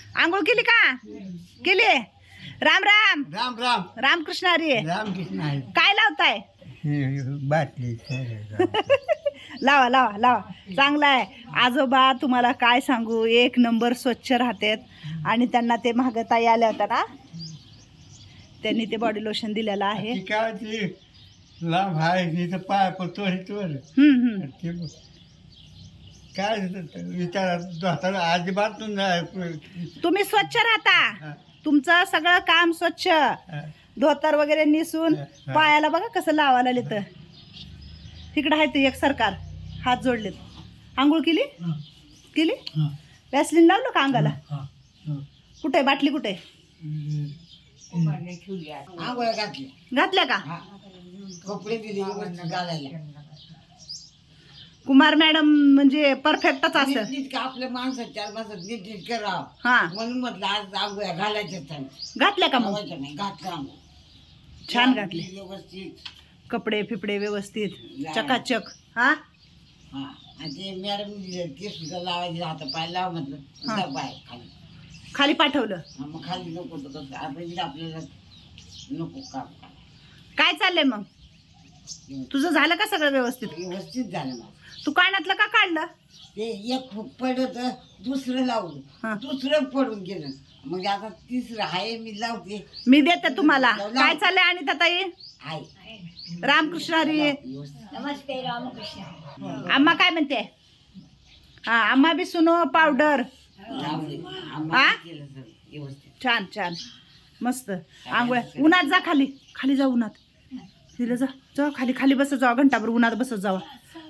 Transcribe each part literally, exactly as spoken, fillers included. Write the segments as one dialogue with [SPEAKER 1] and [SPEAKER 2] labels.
[SPEAKER 1] आंघोळ केली का? केली. राम राम
[SPEAKER 2] राम राम
[SPEAKER 1] रामकृष्ण हरी.
[SPEAKER 2] रामकृष्ण आहे.
[SPEAKER 1] काय लावताय?
[SPEAKER 2] बाटली
[SPEAKER 1] लावा लावा लावा. चांगला आहे आजोबा. तुम्हाला काय सांगू, एक नंबर स्वच्छ राहतात. आणि त्यांना ते महागताई आल्या होत्या ना, त्यांनी ते बॉडी लोशन दिलेलं आहे.
[SPEAKER 2] काय ती लांब आहे तिथं पाय पडतो
[SPEAKER 1] हम्म हम्म.
[SPEAKER 2] ते काय विचार अजिबात
[SPEAKER 1] तुम्ही स्वच्छ राहता. तुमचं सगळं काम स्वच्छ, धोतर वगैरे निसून. पायाला बघा कसं लावायला लिहितं. तिकडं आहे ते एक सरकार हात जोडलेत. आंघोळ केली केली वॅसलीन लावलं का अंगाला? कुठे बाटली कुठे?
[SPEAKER 2] आंघोळ घातली
[SPEAKER 1] घातल्या का?
[SPEAKER 2] कपडे दिले घालायला.
[SPEAKER 1] कुमार मॅडम म्हणजे परफेक्टच असं.
[SPEAKER 2] आपल्या माणसात चार माणसात नीट नीट करावं
[SPEAKER 1] हा
[SPEAKER 2] म्हणून म्हटलं आज आंघोळ्या घालायच्या.
[SPEAKER 1] घातल्या का? मग
[SPEAKER 2] नाही घातलं
[SPEAKER 1] छान घातले.
[SPEAKER 2] व्यवस्थित
[SPEAKER 1] कपडे फिपडे व्यवस्थित चकाचक. हा
[SPEAKER 2] हा आणि ते मॅडम ते सुद्धा लावायचे हात पाय लाव म्हटलं पाय खाली
[SPEAKER 1] खाली पाठवलं.
[SPEAKER 2] मग खाली नको तर कसं आपण आपल्याला नको काम.
[SPEAKER 1] काय चाललंय मग? तुझं झालं का सगळं व्यवस्थित?
[SPEAKER 2] व्यवस्थित झालं माझं.
[SPEAKER 1] तू कानातलं का काढलं?
[SPEAKER 2] ते एक पडत दुसरं
[SPEAKER 1] हा.
[SPEAKER 2] लावलं, दुसरं पडून गेलं. मग आता तिसरं आहे मी लावते.
[SPEAKER 1] मी देते तुम्हाला. काय चाललंय आणि ताई?
[SPEAKER 2] आहे
[SPEAKER 1] रामकृष्ण हरी.
[SPEAKER 2] नमस्ते रामकृष्ण.
[SPEAKER 1] आम्हा काय म्हणते? हा आम्हा बी सुनो पावडर. हा
[SPEAKER 2] व्यवस्थित
[SPEAKER 1] छान छान मस्त. आंघोळ उन्हात जा, खाली खाली जा उन्हात. तिला जा जा खाली खाली बसत जावा, घंटाभर उन्हात बसत जावा.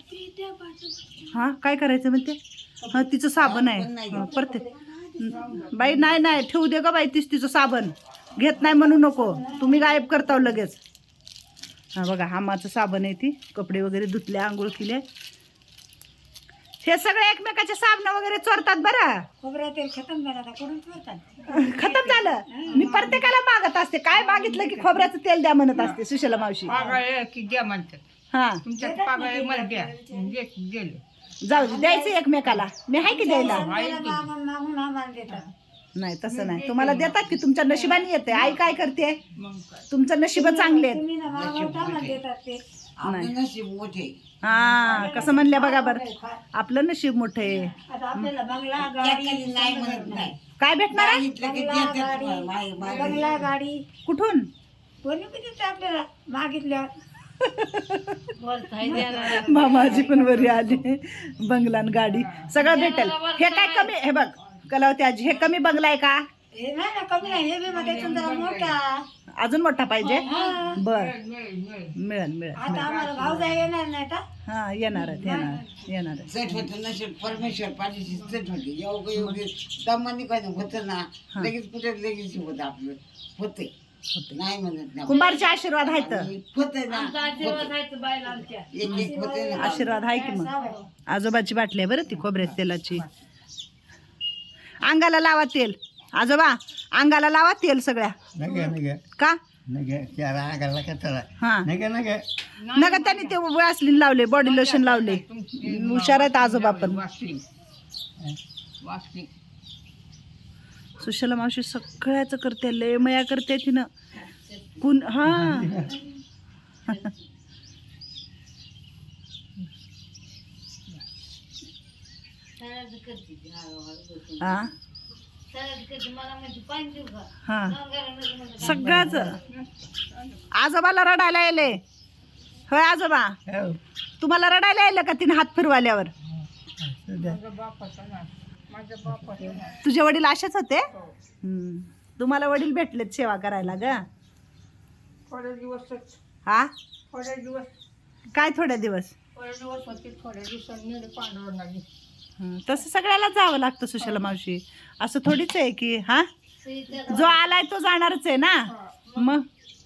[SPEAKER 1] हा काय करायचं म्हणते? हा तिचं साबण आहे परत. बाई नाही नाही ठेवू दे ग बाई, तीच तिचं साबण घेत नाही म्हणू नको. तुम्ही गायब करताव लगेच. हा बघा हामाचं साबण आहे. ती कपडे वगैरे धुतले, आंघोळ केले. हे सगळे एकमेकाचे साबण वगैरे चोरतात बरं.
[SPEAKER 2] खोबऱ्या तेल खतम झालं करून
[SPEAKER 1] खतम झालं. मी प्रत्येकाला मागत असते, काय मागितलं की खोबऱ्याचं तेल द्या म्हणत असते सुशला मावशी.
[SPEAKER 3] की द्या म्हणतात
[SPEAKER 1] हा
[SPEAKER 3] तुमच्या पागळे मला द्या गेले.
[SPEAKER 1] जाऊ दे, द्यायचं एकमेकाला. मी आहे की द्यायला?
[SPEAKER 2] देतात.
[SPEAKER 1] नाही तसं नाही, तुम्हाला देतात की तुमच्या नशिबाने येते. आई काय करते?
[SPEAKER 3] मग काय
[SPEAKER 1] तुमचं नशीब चांगले आहेत.
[SPEAKER 2] आपलं नशीब मोठे.
[SPEAKER 1] हा कसं म्हणल्या बघा बरं, आपलं नशीब मोठं आहे.
[SPEAKER 2] त्याखाली नाही म्हणत नाही.
[SPEAKER 1] काय भेटणार आहे?
[SPEAKER 2] मागितलं की देतात तुम्हाला. माग- माग-
[SPEAKER 4] बंगला गाडी
[SPEAKER 1] कुठून?
[SPEAKER 4] कोणी किती आपल्याला मागितल्या
[SPEAKER 1] मामाजी पण बरी आली. बंगलान गाडी सगळं भेटेल. हे काय कमी? हे बघ कलावती आजी, हे कमी बंगला आहे का?
[SPEAKER 4] हे नाही ना कमी नाही, हे बी मध्ये जरा मोठा.
[SPEAKER 1] अजून मोठा पाहिजे?
[SPEAKER 4] हा.
[SPEAKER 1] बर
[SPEAKER 3] मिळेल मिळेल
[SPEAKER 1] मिळेल मिळेल.
[SPEAKER 4] आता आम्हाला भाऊ जाय येणार नाही का?
[SPEAKER 1] हा येणार आहेत येणार येणार आहेत.
[SPEAKER 2] चट होतं नशीब परमेश्वर पाठीशी चट होते. योग योगी दमानी काय होतं ना, लगेच कुठे लगेच होत आपलं होते. नाही म्हणत नाही.
[SPEAKER 1] कुंभारचे आशीर्वाद आहेत.
[SPEAKER 2] होते ना एक एक होते ना.
[SPEAKER 1] आशीर्वाद आहे की मग. आजोबाची बाटली आहे बरं ती खोबऱ्याच्या तेलाची. अंगाला लावा तेल आजोबा, अंगाला लावा तेल सगळ्या.
[SPEAKER 2] नगे नगे
[SPEAKER 1] का?
[SPEAKER 2] नगे त्याला आगाला का त्याला
[SPEAKER 1] हा
[SPEAKER 2] नगे नगे
[SPEAKER 1] नका त्यांनी ते वॅसलीन लावले, बॉडी लोशन लावले. हुशार आहेत आजोबा पण.
[SPEAKER 3] वासली वासली
[SPEAKER 1] सुशला मावशी सगळ्याच करते, लय मया करते तिनं. कुण हा हा हा सगळ्याच. आजोबाला रडायला येले. होय आजोबा, तुम्हाला रडायला यायला का तिने हात फिरवाल्यावर?
[SPEAKER 3] माझ्या बापाचा ना माझ्या बापाचा ना
[SPEAKER 1] तुझे वडील असेच होते? हम्म. तुम्हाला वडील भेटलेत सेवा करायला ग?
[SPEAKER 3] थोडे दिवसच
[SPEAKER 1] हा
[SPEAKER 3] थोडे दिवस
[SPEAKER 1] काय थोड्या दिवस?
[SPEAKER 3] थोडे दिवस होते. थोड्या दिवसांनी नेले पांडुरंगाने.
[SPEAKER 1] हं, तसं सगळ्याला जावं लागतं सुशला मावशी. असं थोडीच आहे की हा जो आलाय तो जाणारच आहे ना. मग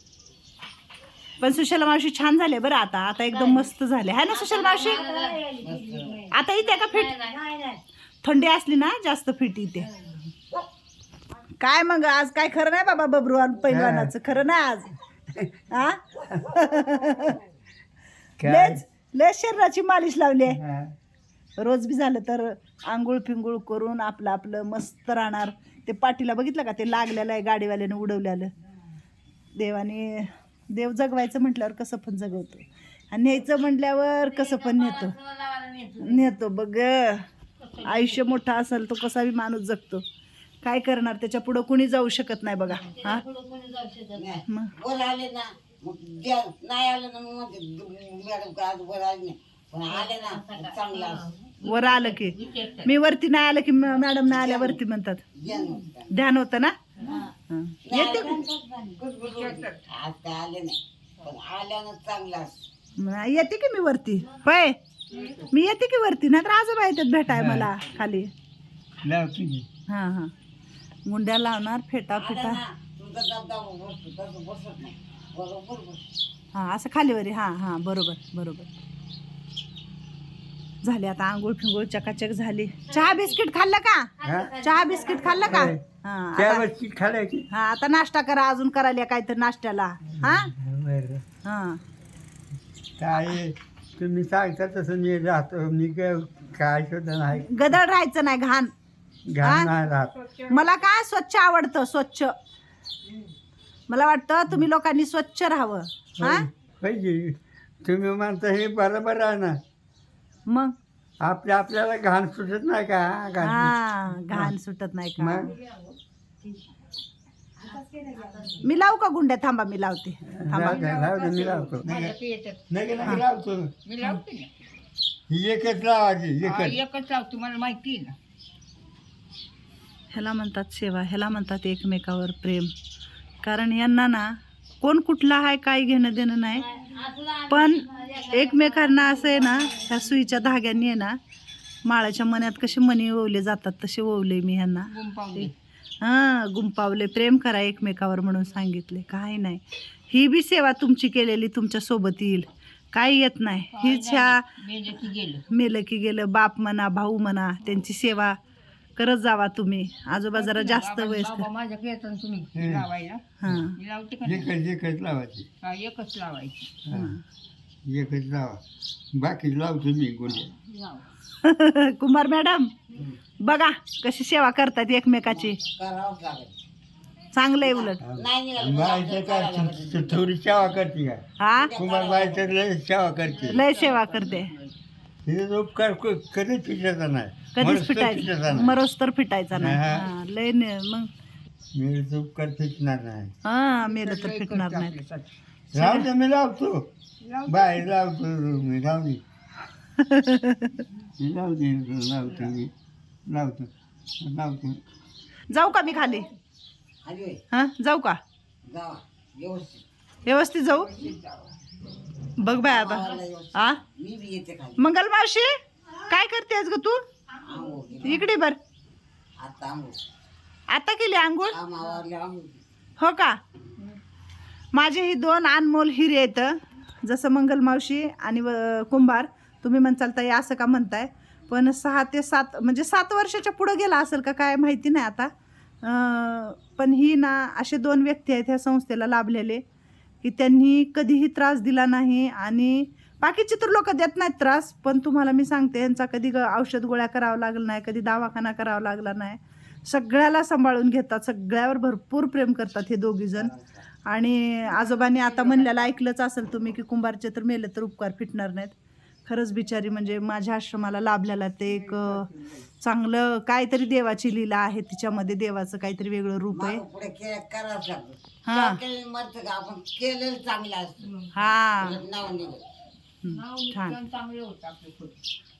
[SPEAKER 1] पण सुशला मावशी छान झाले बरं. आता आता एकदम मस्त झाले है ना सुशला मावशी? आता इथे का फिट? थंडी असली ना जास्त फिट इथे. काय मग आज काय खरं नाही बाबा बबरुवान पैलवानाचं? खरं नाही आज. हा लेच लेच शरीराची मालिश लावली आहे. रोज बी झालं तर आंघोळ पिंगुळ करून आपलं आपलं मस्त राहणार. ते पाठीला बघितलं का ते लागलेलं आहे गाडीवाल्यानं उडवलेलं. देवाने देव जगवायचं म्हटल्यावर कसं पण जगवतो आणि न्यायचं म्हटल्यावर कसं पण नेतो नेतो बघ. आयुष्य मोठा असेल तो कसा बी माणूस जगतो. काय करणार, त्याच्या पुढं कुणी जाऊ शकत नाही बघा. हा मग
[SPEAKER 2] वर आले ना मग द्या, नाही आलं ना मग म्हणते मॅडम का आज वर आले नाही, पण आले ना मग चांगलं असं.
[SPEAKER 1] वर आलं की मी वरती नाही आलं की म- मॅडम नाही आल्या वरती म्हणतात.
[SPEAKER 2] ज्ञान होतं.
[SPEAKER 1] ध्यान होतं ना.
[SPEAKER 2] हा.
[SPEAKER 1] हं.
[SPEAKER 2] नाही
[SPEAKER 1] येते
[SPEAKER 2] आलं ना, गुडगुड होते. आज काय आले नाही, पण आल्यानं चांगलं असं.
[SPEAKER 1] म- येते की मी वरती. होय मी येते की वरती, नाही तर आजोबा येतात भेटाय मला खाली. हा हा मुंड्या लावणार फेटा
[SPEAKER 2] आलं
[SPEAKER 1] फेटा.
[SPEAKER 2] ना तुमचा दबदबा बसतो तसं बसत नाही, बरोबर बसतो.
[SPEAKER 1] हा असं खालीवरी. हा हा बरोबर बरोबर. झाली आता आंघोळ फिंगोळ चकाचक झाली. चहा बिस्किट खाल्लं का? चहा बिस्किट खाल्लं का? हा आता-
[SPEAKER 5] खालायची
[SPEAKER 1] हा आता नाश्ता करा, अजून करायला काहीतरी नाश्त्याला. हा हा
[SPEAKER 5] काय तुम्ही सांगता तसं मी राहतो. मी काय काय सुद्धा नाही
[SPEAKER 1] गदळ राहायचं नाही, घाण.
[SPEAKER 5] घाण नाही राहत.
[SPEAKER 1] मला काय स्वच्छ आवडतं, स्वच्छ. मला वाटतं तुम्ही लोकांनी स्वच्छ राहावं. हा
[SPEAKER 5] पाहिजे तुम्ही म्हणता हे बरोबर आहे ना.
[SPEAKER 1] मग
[SPEAKER 5] आपल्या आपल्याला घाण सुटत नाही का? घाण
[SPEAKER 1] हा घाण सुटत नाही का?
[SPEAKER 5] मग
[SPEAKER 1] मी लावू का गुंड्या? थांबा मी लावते. थांबा.
[SPEAKER 5] राहू दे, राहू दे, मी लावतो.
[SPEAKER 3] माझ्या ते येतात.
[SPEAKER 5] नाही नाही लावतो.
[SPEAKER 3] मी लावते ना.
[SPEAKER 5] ही एकच लावायची
[SPEAKER 3] हा,
[SPEAKER 5] एकच.
[SPEAKER 3] एकच लावतो, मला माहिती आहे ना.
[SPEAKER 1] ह्याला म्हणतात सेवा, ह्याला म्हणतात एकमेकावर प्रेम. कारण यांना ना कोण कुठला आहे काय घेणं देणं नाही, पण एकमेकांना असं आहे ना, ह्या सुईच्या धाग्यांनी आहे ना माळाच्या मण्यात कसे मणी ओवले जातात तसे ओवले मी ह्यांना.
[SPEAKER 3] गुंपावली.
[SPEAKER 1] हां गुंपावले. प्रेम करा एकमेकावर म्हणून सांगितले. काही नाही, ही बी सेवा तुमची केलेली तुमच्या सोबत येईल, काही येत नाही. हीच ह्या
[SPEAKER 3] मेलं की गेलं.
[SPEAKER 1] मेलं की गेलं, बाप म्हणा भाऊ म्हणा त्यांची सेवा करत जावा तुम्ही. आजोबा जरा जास्त
[SPEAKER 3] बाबा
[SPEAKER 1] वयस्कर.
[SPEAKER 3] माझ्याकडे येतात ना तुम्ही
[SPEAKER 5] हम्म.
[SPEAKER 3] लावायला.
[SPEAKER 1] हां
[SPEAKER 3] मी लावते का नाही?
[SPEAKER 5] एकच एकच लावायची.
[SPEAKER 3] हा, एकच लावायची.
[SPEAKER 5] हा. एकच लावा. बाकी लावतो मी गुन्हे.
[SPEAKER 3] लाव.
[SPEAKER 1] कुमार मॅडम बघा कशी सेवा करतात एकमेकाची.
[SPEAKER 2] करावंच लागेल.
[SPEAKER 1] चांगलं आहे उलट.
[SPEAKER 2] नाही निघालं
[SPEAKER 5] बायचं काय तू- तू थोडी सेवा करते का?
[SPEAKER 1] हा
[SPEAKER 5] कुमार बायचं लय सेवा करते.
[SPEAKER 1] लय सेवा करते.
[SPEAKER 5] तिथे उपकार क- कधीच फिटायचा नाही.
[SPEAKER 1] कधीच
[SPEAKER 5] मरस्त फिटायचा
[SPEAKER 1] फिटायचा
[SPEAKER 5] नाही.
[SPEAKER 1] मरोस तर फिटायचा नाही.
[SPEAKER 5] हा.
[SPEAKER 1] हा, लय ने- मग
[SPEAKER 5] मी उपकार फिटणार नाही.
[SPEAKER 1] हा मेलं तर
[SPEAKER 3] लय
[SPEAKER 1] फिटणार
[SPEAKER 3] करते
[SPEAKER 1] नाही.
[SPEAKER 3] आपल्यासाठी.
[SPEAKER 5] राहू दे, मी लावतो.
[SPEAKER 3] लाव.
[SPEAKER 5] बाहेर लावतो मी. राहू दे. मी लावते लावतो मी लावतो लावतो.
[SPEAKER 1] जाऊ का मी खाली?
[SPEAKER 2] खाली होय.
[SPEAKER 1] हा जाऊ का?
[SPEAKER 2] जावा व्यवस्थित.
[SPEAKER 1] व्यवस्थित जाऊ. बघ बाय आता.
[SPEAKER 2] आवाला व्यवस्थित.
[SPEAKER 1] आ
[SPEAKER 2] मी बी येते खाली.
[SPEAKER 1] मंगल मावशी काय करतेस ग तू?
[SPEAKER 2] आंघोळ केली.
[SPEAKER 1] इकडे बर.
[SPEAKER 2] आता आंघोळ.
[SPEAKER 1] आता केली आंघोळ?
[SPEAKER 2] काम आवरले आंघोळ.
[SPEAKER 1] हो का? माझे ही दोन अनमोल हिरे आहेत, जसं मंगल मावशी आणि व- कुंभार. तुम्ही म्हणताल ताई असं का म्हणताय, पण सहा ते सात म्हणजे सात वर्षाच्या पुढं गेला असेल का काय माहिती नाही आता. अं, पण ही ना असे दोन व्यक्ती आहेत ह्या संस्थेला लाभलेले की त्यांनी कधीही त्रास दिला नाही. आणि बाकीचे तर लोक देत नाहीत त्रास, पण तुम्हाला मी सांगते यांचा कधी ग औषध गोळ्या करावं लागलं नाही, कधी दवाखाना करावा लागला नाही. सगळ्याला सांभाळून घेतात, सगळ्यावर भरपूर प्रेम करतात हे दोघीजण. आणि आजोबांनी आता म्हणलेलं ऐकलंच असेल तुम्ही की कुंभारचे तर मेले तर उपकार फिटणार नाहीत. खरंच बिचारी म्हणजे माझ्या आश्रमाला लाभलेला ते एक अं, चांगलं काहीतरी देवाची लीला आहे तिच्यामध्ये, देवाचं काहीतरी वेगळं रूप आहे.
[SPEAKER 2] मागं पुढे के करावंच लागतं.
[SPEAKER 1] हा.
[SPEAKER 2] केलेलं मरतं का? आपण केलेलं चांगलं असतं.
[SPEAKER 1] हा
[SPEAKER 2] नाव निघत.
[SPEAKER 1] हं, छान.
[SPEAKER 3] चांगलं होतं आपलं.